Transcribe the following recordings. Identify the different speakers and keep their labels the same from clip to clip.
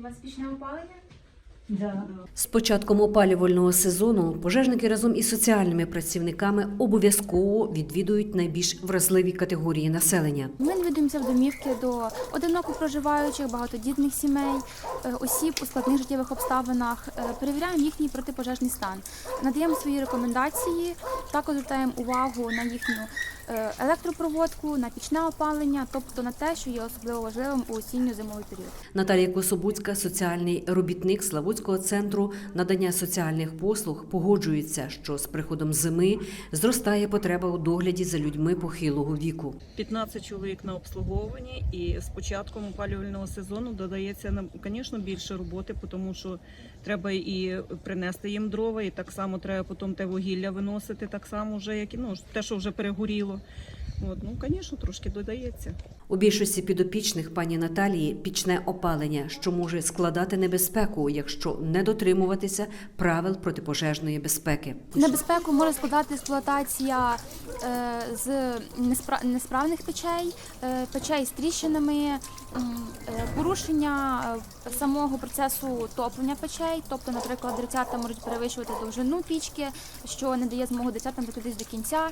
Speaker 1: вас пічне опалення?
Speaker 2: Да.
Speaker 3: З початком опалювального сезону пожежники разом із соціальними працівниками обов'язково відвідують найбільш вразливі категорії населення.
Speaker 1: Ми навідуємося в домівки до одиноко проживаючих, багатодітних сімей, осіб у складних життєвих обставинах, перевіряємо їхній протипожежний стан, надаємо свої рекомендації, також звертаємо увагу на їхню електропроводку, на пічне опалення, тобто на те, що є особливо важливим у осінньо-зимовий період.
Speaker 3: Наталія Кособуцька, соціальний робітник Славутського центру надання соціальних послуг, погоджується, що з приходом зими зростає потреба у догляді за людьми похилого віку.
Speaker 4: 15 чоловік на обслуговуванні, і з початком опалювального сезону додається, звісно, більше роботи, тому що треба і принести їм дрова, і так само треба потім те вугілля виносити, так само вже, як те, що вже перегоріло. Звісно, трошки додається.
Speaker 3: У більшості підопічних пані Наталії пічне опалення, що може складати небезпеку, якщо не дотримуватися правил протипожежної безпеки.
Speaker 1: Небезпеку може складати експлуатація з несправних печей, печей з тріщинами, порушення самого процесу топлення печей, тобто, наприклад, дрицята можуть перевищувати довжину пічки, що не дає змогу дрицятам прокотитись до кінця.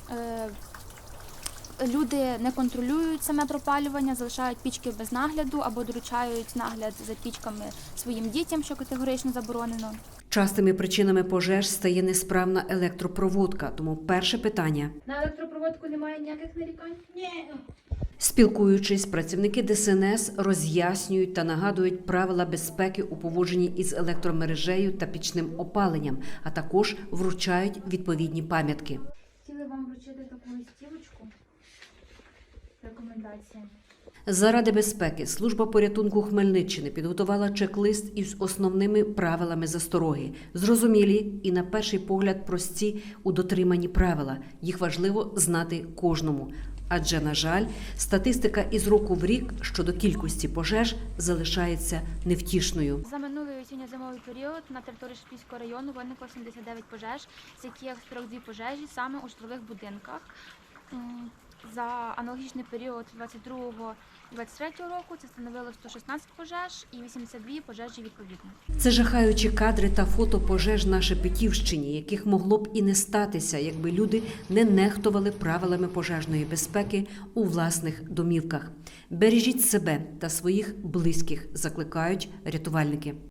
Speaker 1: Люди не контролюють саме пропалювання, залишають пічки без нагляду або доручають нагляд за пічками своїм дітям, що категорично заборонено.
Speaker 3: Частими причинами пожеж стає несправна електропроводка, тому перше питання.
Speaker 1: На електропроводку немає ніяких нарікань?
Speaker 2: Ні.
Speaker 3: Спілкуючись, працівники ДСНС роз'яснюють та нагадують правила безпеки у поводженні із електромережею та пічним опаленням, а також вручають відповідні пам'ятки.
Speaker 1: Хотіли вам вручити таку листівочку. Рекомендації.
Speaker 3: Заради безпеки служба порятунку Хмельниччини підготувала чек-лист із основними правилами застороги. Зрозумілі і, на перший погляд, прості у дотриманні правила. Їх важливо знати кожному. Адже, на жаль, статистика із року в рік щодо кількості пожеж залишається невтішною.
Speaker 1: За минулий осінньо-зимовий період на території Шепільського району виникло 79 пожеж, з яких 42 пожежі саме у житлових будинках. За аналогічний період 22-23 року це становило 116 пожеж і 82 пожежі відповідно.
Speaker 3: Це жахаючі кадри та фото пожеж на Шепетівщині, яких могло б і не статися, якби люди не нехтували правилами пожежної безпеки у власних домівках. Бережіть себе та своїх близьких, закликають рятувальники.